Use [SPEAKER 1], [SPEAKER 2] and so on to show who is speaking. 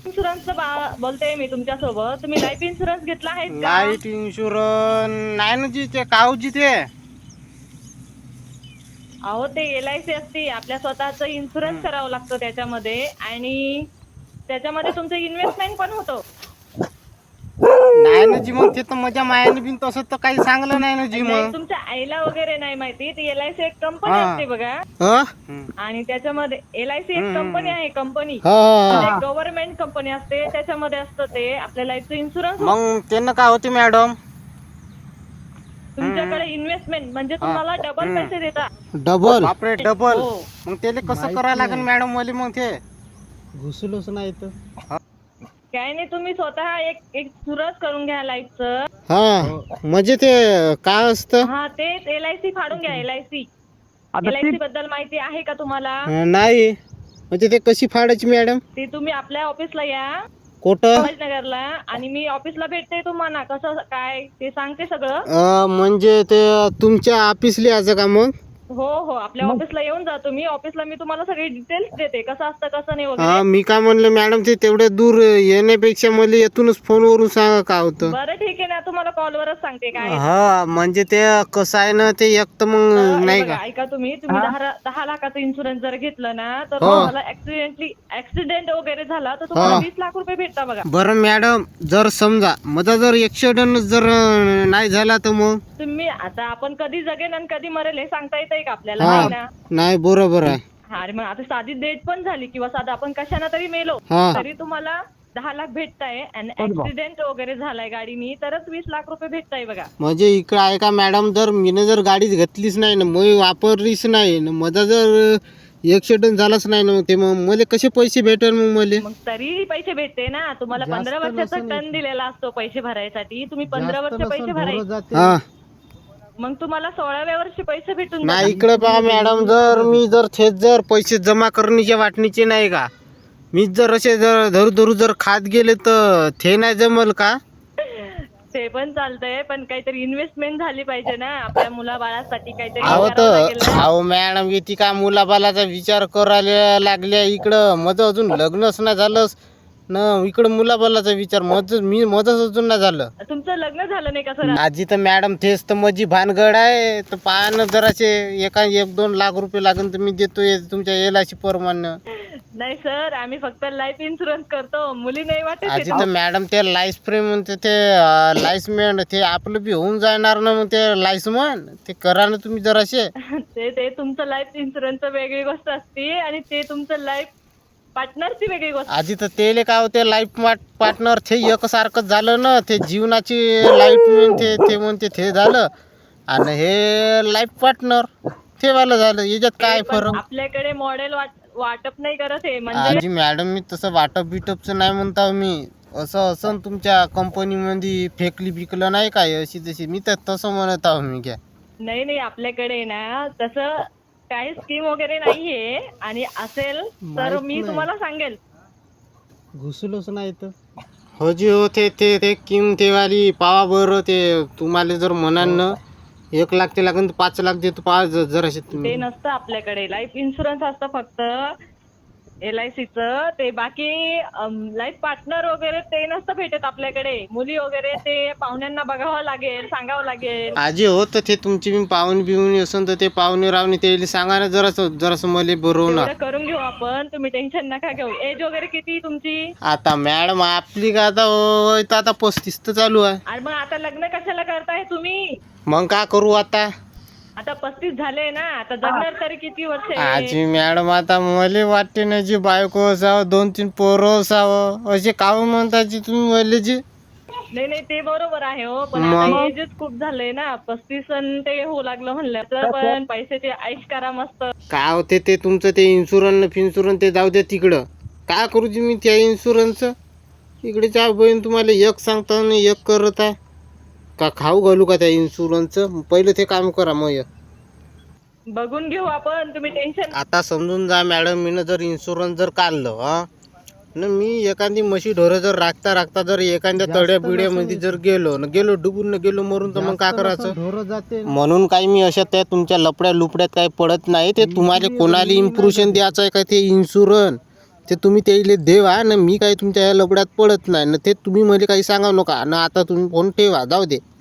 [SPEAKER 1] Insurance बोलते मी तुमच्या सोबत. तुम्ही लाईफ इन्शुरन्स घेतला आहे का?
[SPEAKER 2] लाईट इन्शुरन्स नाही ना जी ते काऊजी ते
[SPEAKER 1] अहो ते LIC असते, आपल्या स्वतःचं इन्शुरन्स करावं लागतं त्याच्यामध्ये, आणि त्याच्यामध्ये तुमचं इन्व्हेस्टमेंट पण होतं.
[SPEAKER 2] नाही ना जी मग ते तर माझ्या मायाने बिन तसं तर काही सांगलं नाही ना जी
[SPEAKER 1] नाही,
[SPEAKER 2] मग
[SPEAKER 1] तुमच्या आईला वगैरे नाही माहिती. ती LIC एक कंपनी
[SPEAKER 2] हा.
[SPEAKER 1] असते बघा, आणि त्याच्यामध्ये LIC एक कंपनी आहे, कंपनी म्हणजे गव्हर्नमेंट कंपनी असते. त्याच्यामध्ये असतं ते आपल्या लाईफचं इन्शुरन्स.
[SPEAKER 2] मग त्यांना काय होते मॅडम
[SPEAKER 1] तुमच्याकडे इन्व्हेस्टमेंट म्हणजे तुम्हाला डबल पैसे देतात.
[SPEAKER 2] डबल बापरे डबल
[SPEAKER 1] हो.
[SPEAKER 2] मग त्याला कसं करायला लागेल मॅडम मला मग ते
[SPEAKER 3] घुसलोच नाही तर
[SPEAKER 1] काय नाही, तुम्ही स्वतः एक एक इन्शुरन्स करून घ्या लाईफचं.
[SPEAKER 2] हा म्हणजे ते काय असतं
[SPEAKER 1] हा, तेच LIC फाडून घ्या. LIC बद्दल माहिती आहे का तुम्हाला?
[SPEAKER 2] नाही म्हणजे ते कशी फाडायची मॅडम
[SPEAKER 1] ते तुम्ही आपल्या ऑफिसला या,
[SPEAKER 2] कुठं
[SPEAKER 1] नगरला, आणि मी ऑफिसला भेटते तुम्हाला. कसं काय ते सांगते सगळं.
[SPEAKER 2] म्हणजे ते तुमच्या ऑफिसला यायचं का मग
[SPEAKER 1] हो हो, आपल्या ऑफिसला येऊन जा तुम्ही. ऑफिसला मी तुम्हाला सगळे डिटेल्स देते, कसं असतं कसं नाही
[SPEAKER 2] हा
[SPEAKER 1] वगैरे.
[SPEAKER 2] मी काय म्हणलं मॅडम ते तेवढ्या दूर येण्यापेक्षा मला येथूनच फोनवरून सांगा काय होतं
[SPEAKER 1] बरं ठीक आहे ना, तुम्हाला कॉलवरच सांगते काय आहे.
[SPEAKER 2] हा म्हणजे ते कसं आहे ना ते एक तर
[SPEAKER 1] तर
[SPEAKER 2] मग
[SPEAKER 1] हे
[SPEAKER 2] नाही
[SPEAKER 1] बघा,
[SPEAKER 2] का
[SPEAKER 1] ऐका तुम्ही 10 लाखाचं इन्शुरन्स जर घेतलं ना, तर
[SPEAKER 2] हो.
[SPEAKER 1] तुम्हाला ऍक्सिडेंट वगैरे झाला तर तुम्हाला 20 लाख रुपये भेटता बघा.
[SPEAKER 2] बरं मॅडम जर समजा माझा जर ऍक्सिडेंट जर नाही झाला तर मग
[SPEAKER 1] तुम्ही आता, आपण कधी जगेन आणि कधी मरेल हे सांगता येतंय का आपल्याला?
[SPEAKER 2] हा
[SPEAKER 1] नाही ना.
[SPEAKER 2] नाही बरोबर आहे
[SPEAKER 1] हा, अरे मग आता साधी डेट पण झाली किंवा साधा आपण कशाने तरी मेलो,
[SPEAKER 2] हा.
[SPEAKER 1] तरी तुम्हाला 10 लाख भेटताय. आणि ऍक्सिडेंट वगैरे झालाय गाडीनी तरच 20 लाख रुपये भेटताय बघा.
[SPEAKER 2] म्हणजे इकडं आहे का मॅडम जर मीनं जर गाडी घेतलीच नाही ना मग वापरलीच नाही ना माझा जर ऍक्सिडेंट झालाच नाही ना मग ते मग मला कसे पैसे भेटेल मग मला
[SPEAKER 1] मग तरी पैसे भेटते ना तुम्हाला. 15 वर्षाचा टर्न दिलेला असतो पैसे भरायसाठी. तुम्ही 15 वर्ष पैसे भरायचे,
[SPEAKER 2] हा
[SPEAKER 1] मग तुम्हाला 16व्या वर्षी पैसे भेटून
[SPEAKER 2] नाही इकडे पहा मॅडम जर मी जर थेट जर पैसे जमा करण्याच्या वाटणीचे नाही का मीच जर असे जर धरू धरू जर खात गेले तर ते नाही जमल का
[SPEAKER 1] ते पण चालतंय, पण काहीतरी इन्व्हेस्टमेंट झाली पाहिजे ना आपल्या मुलाबाळासाठी. काहीतरी
[SPEAKER 2] अहो
[SPEAKER 1] करावं लागेल
[SPEAKER 2] तर
[SPEAKER 1] ना.
[SPEAKER 2] अहो मॅडम किती का मुलाबालाचा विचार करायला लागल्या इकडं माझं अजून लग्नच नाही झालंच न इकडं मुलाबालाचा विचार माझंच अजून नाही झालं.
[SPEAKER 1] तुमचं लग्न झालं नाही का सर?
[SPEAKER 2] आजी तर मॅडम तेच तर माझी भानगड आहे तर पाहणं जराशे 1-2 लाख रुपये लागेल तर मी देतोय तुमच्या LIC परमानं.
[SPEAKER 1] नाही सर, आम्ही फक्त लाईफ इन्शुरन्स करतो, मुली नाही वाटत
[SPEAKER 2] आजी
[SPEAKER 1] आहे.
[SPEAKER 2] तर मॅडम ते लाईस प्रेम म्हणते ते लाईसमेंट ते आपलं बी होऊन जाणार ना मग ते लाईसमन ते करा ना तुम्ही जराशे.
[SPEAKER 1] ते तुमचं लाईफ इन्शुरन्स वेगळी गोष्ट असते, आणि ते तुमचं लाईफ पार्टनरची वेगळी गोष्ट.
[SPEAKER 2] आजी तर तेले काय होते लाईफ पार्टनर ते एकसारखंच झालं ना ते जीवनाची लाईफ म्हणते ते म्हणते ते झालं आणि हे लाईफ पार्टनर ते वाला झालं याच्यात काय
[SPEAKER 1] पण
[SPEAKER 2] फरक.
[SPEAKER 1] आपल्याकडे मॉडेल वाटप नाही करत आहे म्हणजे.
[SPEAKER 2] आजी मॅडम मी तसं वाटप बिटपचं नाही म्हणता मी असं असं तुमच्या कंपनीमध्ये फेकली बिकलं नाही काय अशी तशी मी तर तसं म्हणत आहो मी घ्या.
[SPEAKER 1] नाही नाही, आपल्याकडे ना तसं काही स्कीम वगैरे नाहीये, आणि असेल तर मी तुम्हाला सांगेल.
[SPEAKER 3] घुसलोच नाही तर
[SPEAKER 2] हो जी हो ते ते ते किम तेवाली पावा बरं ते तुम्हाला जर म्हणाल ना 1 लाख ते लागेल तर 5 लाख देतो पाच जराशे
[SPEAKER 1] ते
[SPEAKER 2] तुम्ही.
[SPEAKER 1] नसतं आपल्याकडे. लाईफ इन्शुरन्स असतं फक्त LICचं. ते बाकी लाईफ पार्टनर वगैरे ते नसतं भेटत आपल्याकडे. मुली वगैरे ते पाहुण्यांना बघावं लागेल, सांगावं लागेल.
[SPEAKER 2] आजी हो तर ते तुमची मी पाहुणे बिवणी असन तर ते पाहुणे रावणे ते सांगा ना जरासं जरासं मला बरवणार.
[SPEAKER 1] तेवढं करून घेऊ आपण, तुम्ही टेन्शन नका घेऊ. एज वगैरे किती तुमची?
[SPEAKER 2] आता मॅडम आपली का आता वय तर आता 35 तर चालू आहे.
[SPEAKER 1] आणि मग आता लग्न कशाला करताय तुम्ही?
[SPEAKER 2] मग काय करू आता.
[SPEAKER 1] आता 35 झाले ना, आता जगणार तरी किती वर्ष आहे?
[SPEAKER 2] आजी मॅडम आता मला वाटते ना जी बायको असावं 2-3 पोरं असावं असे काव म्हणताची तुम्ही मला जी.
[SPEAKER 1] नाही नाही, ते बरोबर आहे हो, पण
[SPEAKER 2] मग?
[SPEAKER 1] आता एजच खूप झालंय ना. 35 आणि ते होऊ लागलं म्हणलं तर पण पैशाची ऐश करा मस्त.
[SPEAKER 2] काय होते ते तुमचं ते इन्शुरन्स ते जाऊ द्या तिकडं. काय करू जी मी त्या इन्शुरन्सचं इकडे त्या बहीण तुम्हाला एक सांगता ना एक करत आहे का खाऊ घालू का त्या इन्शुरन्सचं पहिलं ते काम करा मग.
[SPEAKER 1] बघून घेऊ आपण, तुम्ही टेन्शन.
[SPEAKER 2] आता समजून जा मॅडम मीनं जर इन्शुरन्स जर काढलं हा न मी एखादी म्हशी ढोरं जर राखता जर एखाद्या तड्या बिड्यामध्ये जर गेलो डुबून न गेलो मरून तर मग काय करायचं.
[SPEAKER 3] ढोरं जाते
[SPEAKER 2] म्हणून काही मी अशा त्या तुमच्या लपड्या लुपड्यात काही पडत नाही. ते तुम्हाला कोणाला इम्प्रुशन द्यायचं आहे का ते इन्शुरन्स ते तुम्ही त्याला देवा ना, मी काही तुमच्या या लफड्यात पडत नाही ना, ते तुम्ही मला काही सांगा नका ना. आता तुम्ही फोन ठेवा, जाऊ दे.